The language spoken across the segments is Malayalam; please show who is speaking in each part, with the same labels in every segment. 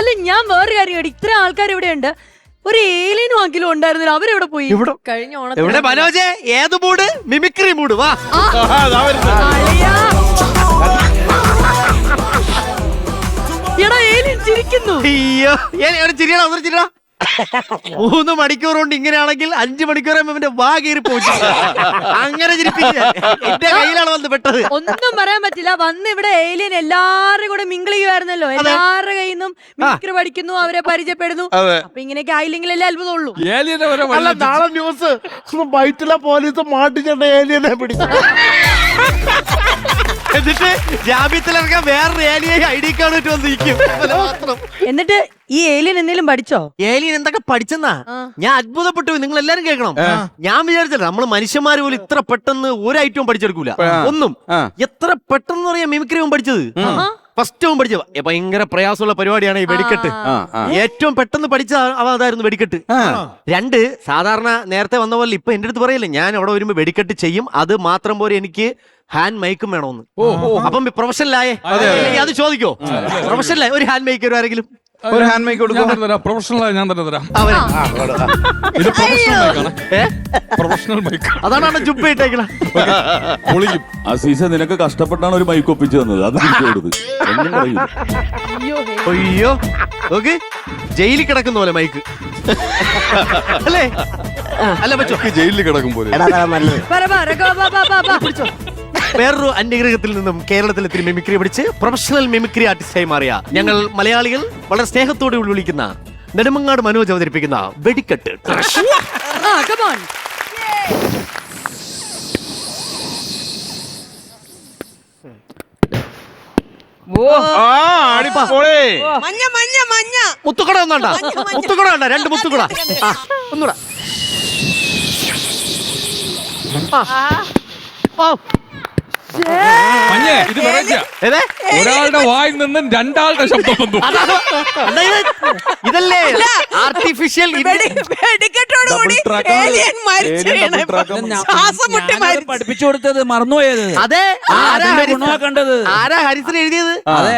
Speaker 1: അല്ല ഞാൻ വേറൊരു കാര്യം കേട്ടു, ഇത്ര ആൾക്കാർ ഇവിടെ ഉണ്ട്, ഒരു ഏലിയനും ആക്കിലും ഉണ്ടായിരുന്നില്ല, അവരെവിടെ പോയി? കഴിഞ്ഞ
Speaker 2: എവിടെ മനോജെ? ഏത് മൂഡ്? Mimicry mood. വാ.
Speaker 1: എടാ ഏലിയൻ ചിരിക്കുന്നു.
Speaker 2: അയ്യോ ചിരിയടാ, ഒന്നും ചിരിയടാ. 3 മണിക്കൂർ കൊണ്ട് ഇങ്ങനെയാണെങ്കിൽ 5 മണിക്കൂർ ഇവന്റെ വാ കീറി പോയി. അങ്ങനെ ചിരിപ്പിച്ച എന്റെ കയ്യിലാണ് വന്ന് പെട്ടത്.
Speaker 1: ഒന്നും പറയാൻ പറ്റില്ല. വന്ന് ഇവിടെ ഏലിയൻ എല്ലാവരും കൂടെ മിങ്കിൾ ചെയ്യുമായിരുന്നല്ലോ, എല്ലാവരുടെ കയ്യിൽ നിന്നും മിമിക്രി പഠിക്കുന്നു, അവരെ പരിചയപ്പെടുന്നു. അപ്പൊ ഇങ്ങനെയൊക്കെ ആയില്ലെങ്കിലല്ലേ അത്ഭുതമുള്ളൂ.
Speaker 3: അല്ല, നാളെ ന്യൂസ് വൈറ്റില പോലീസ് മാട്ടിച്ചേട്ട ഏലിയനെ പിടിച്ചു.
Speaker 2: എന്നിട്ട് ജാമ്യത്തിലിറങ്ങാൻ വേറൊരു ഏലിയ ID കാർഡ് ഇട്ട് വന്നിരിക്കും.
Speaker 1: എന്നിട്ട് ഈ ഏലിയൻ എന്തെങ്കിലും പഠിച്ചോ?
Speaker 2: ഏലിയൻ എന്തൊക്കെ പഠിച്ചെന്നാ ഞാൻ അത്ഭുതപ്പെട്ടു. നിങ്ങൾ എല്ലാരും കേൾക്കണം. ഞാൻ വിചാരിച്ചില്ല നമ്മൾ മനുഷ്യന്മാര് പോലും ഇത്ര പെട്ടെന്ന് ഒരു ഐറ്റവും പഠിച്ചെടുക്കൂല. ഒന്നും എത്ര പെട്ടെന്ന് പറയാ മിമിക്രി പഠിച്ചത്. ഫസ്റ്റ് പഠിച്ചത് ഭയങ്കര പ്രയാസമുള്ള പരിപാടിയാണ് ഈ വെടിക്കെട്ട്. ഏറ്റവും പെട്ടെന്ന് പഠിച്ച അതായിരുന്നു വെടിക്കെട്ട്. 2 സാധാരണ നേരത്തെ വന്ന പോലെ ഇപ്പൊ എന്റെ അടുത്ത് പറയല്ലേ, ഞാൻ അവിടെ വരുമ്പോ വെടിക്കെട്ട് ചെയ്യും, അത് മാത്രം പോലെ എനിക്ക് ഹാൻഡ് മൈക്കും വേണമെന്ന്. അപ്പം പ്രൊഫഷണലായേ അത് ചോദിക്കോ? പ്രൊഫഷണലായ ഒരു ഹാൻഡ് മൈക്ക് ആരെങ്കിലും
Speaker 4: ഒരു ഹാൻഡ് മൈക്ക് കൊടുക്കും. പ്രൊഫഷണലായി ഞാൻ തന്നെ തരാം. ഇത് പ്രൊഫഷണൽ മൈക്ക്.
Speaker 2: അതാണ് ജുബ്ബ ഇട്ടേക്കണ.
Speaker 4: പൊളിക്കും.
Speaker 5: അസീസ നിനക്ക് കഷ്ടപ്പെട്ടാണ് ഒരു മൈക്ക് ഒപ്പിച്ചു തന്നത്. അത്
Speaker 2: അയ്യോ ഓക്കെ, ജയിലിൽ കിടക്കുന്ന പോലെ മൈക്ക് അല്ലേ? അല്ല പറ്റോ,
Speaker 4: ജയിലിൽ കിടക്കും പോലെ.
Speaker 2: വേറൊരു അന്യഗ്രഹത്തിൽ നിന്നും കേരളത്തിൽ എത്തി മിമിക്രി പഠിച്ച് പ്രൊഫഷണൽ മിമിക്രി ആർട്ടിസ്റ്റായി മാറിയ ഞങ്ങൾ മലയാളികൾ വളരെ സ്നേഹത്തോടെ വിളിക്കുന്ന നെടുമങ്ങാട് മനോജ് അവതരിപ്പിക്കുന്ന വെടിക്കെട്ട്. മുത്തുക്കട ഒന്നാണ്ട, മുത്തുക്കട വേണ്ട, 2 മുത്തുക്കട. ഒന്നുകൂടാ.
Speaker 4: ഇത് ഒരാളുടെ വായിൽ നിന്നും 2 ആളുടെ ശബ്ദം വന്നു.
Speaker 2: ഇതല്ലേ ആർട്ടിഫിഷ്യൽ
Speaker 6: പഠിപ്പിച്ചു കൊടുത്തത് മറന്നുപോയത്.
Speaker 2: അതെ,
Speaker 6: കണ്ടത്
Speaker 2: ആരാ ഹരിശ്രീ എഴുതിയത്?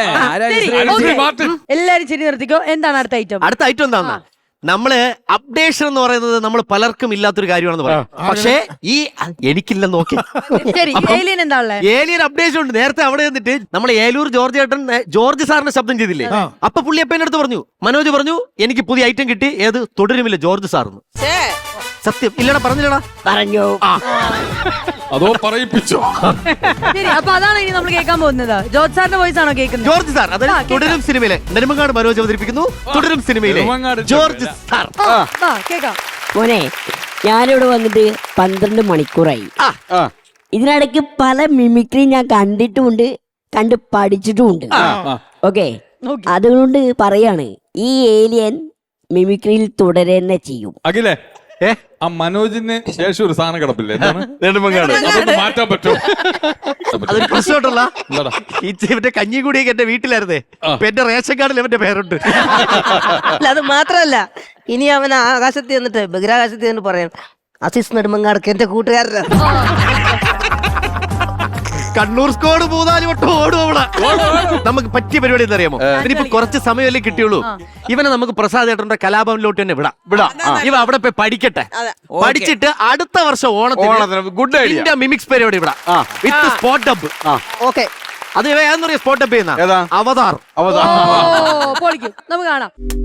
Speaker 1: എല്ലാരും ശരി നിർത്തിക്കോ. എന്താണ് അടുത്ത ഐറ്റം?
Speaker 2: അടുത്ത ഐറ്റം എന്താ? നമ്മള് അപ്ഡേഷൻ എന്ന് പറയുന്നത് നമ്മൾ പലർക്കും ഇല്ലാത്തൊരു കാര്യമാണെന്ന് പറയാം. പക്ഷേ ഈ എനിക്കില്ലെന്ന് നോക്കി. ഏലിയൻ അപ്ഡേഷൻ ഉണ്ട്. നേരത്തെ അവിടെ നിന്നിട്ട് നമ്മൾ ഏലൂർ ജോർജ് ചേട്ടൻ ജോർജ് സാറിന്റെ ശബ്ദം ചെയ്തില്ലേ? അപ്പൊ പുള്ളി അപ്പ എന്റെ അടുത്ത് പറഞ്ഞു, മനോജ് പറഞ്ഞു എനിക്ക് പുതിയ ഐറ്റം കിട്ടി. ഏത്? തുടരുമില്ല ജോർജ് സാറിന്. സത്യം ഇല്ലടാ, പറഞ്ഞില്ലടാ? പറഞ്ഞു.
Speaker 4: അതോ പറയിപ്പിച്ചോ?
Speaker 1: ശരി, അപ്പൊ അതാണ് ഇനി നമ്മൾ കേൾക്കാൻ പോകുന്നത്. ജോർജ് സാറിന്റെ വോയിസ് ആണോ കേൾക്കുന്നത്?
Speaker 2: ജോർജ് സാർ, അതായത് തുടരും സിനിമയിലെ നെടുമങ്ങാട് മനോജ് അവതരിപ്പിക്കുന്നു. തുടരും സിനിമയിലെ ജോർജ് സാർ.
Speaker 1: കേൾക്കാം.
Speaker 7: മോനെ, ഞാനിവിടെ വന്നിട്ട് 12 മണിക്കൂറായി. ഇതിനിടയ്ക്ക് പല മിമിക്രി ഞാൻ കണ്ടിട്ടുമുണ്ട്, കണ്ട് പഠിച്ചിട്ടുമുണ്ട്. ഓക്കെ, അതുകൊണ്ട് പറയാണ്, ഈ ഏലിയൻ മിമിക്രിയിൽ തുടരുന്നെ ചെയ്യും.
Speaker 4: അഖിലേ, ആ മനോജിന് ശേഷം ഒരു സാധനം കിടപ്പില്ലേ? നെടുമങ്ങാട്. അതൊന്ന് മാറ്റാൻ പറ്റുമോ?
Speaker 2: അതൊരു പ്രശ്നമുണ്ടല്ല. ഇവന്റെ കഞ്ഞി കൂടിയൊക്കെ എന്റെ വീട്ടിലായിരുന്നേ. എന്റെ റേഷൻ കാർഡിൽ അവന്റെ പേരുണ്ട്.
Speaker 8: അല്ല, അത് മാത്രല്ല, ഇനി അവൻ ആകാശത്ത് ചെന്നിട്ട് ബഹിരാകാശത്ത് ചെന്നിട്ട് പറയാം, അസീസ് നെടുമങ്ങാടക്ക് എന്റെ കൂട്ടുകാരനാണ്.
Speaker 2: കണ്ണൂർ സ്കോഡ് 3-4 വട്ടം ഓടും അവിടെ. നമുക്ക് പറ്റിയ പരിപാടി എന്താ അറിയാമോ? ഇതിനിപ്പോ കുറച്ച് സമയമല്ലേ കിട്ടിയുള്ളൂ. ഇവനെ നമുക്ക് പ്രസാദ് ഏട്ടന്റെ കലാഭവനിലോട്ട് തന്നെ വിടാം. ഇവ അവിടെ പോയി പഠിക്കട്ടെ. പഠിച്ചിട്ട് അടുത്ത വർഷം ഓണത്തിന്
Speaker 4: ഗുഡ് ഐഡിയ
Speaker 2: മിമിക്സ് പരിപാടി വിടാം വിത്ത് സ്പോട്ട് ഡബ്.
Speaker 8: ഓക്കെ,
Speaker 2: അത് ഏതെന്ന് പറയാ സ്പോട്ട് ഡബ് ചെയ്യുന്ന അവതാർ.
Speaker 1: നമുക്ക് കാണാം.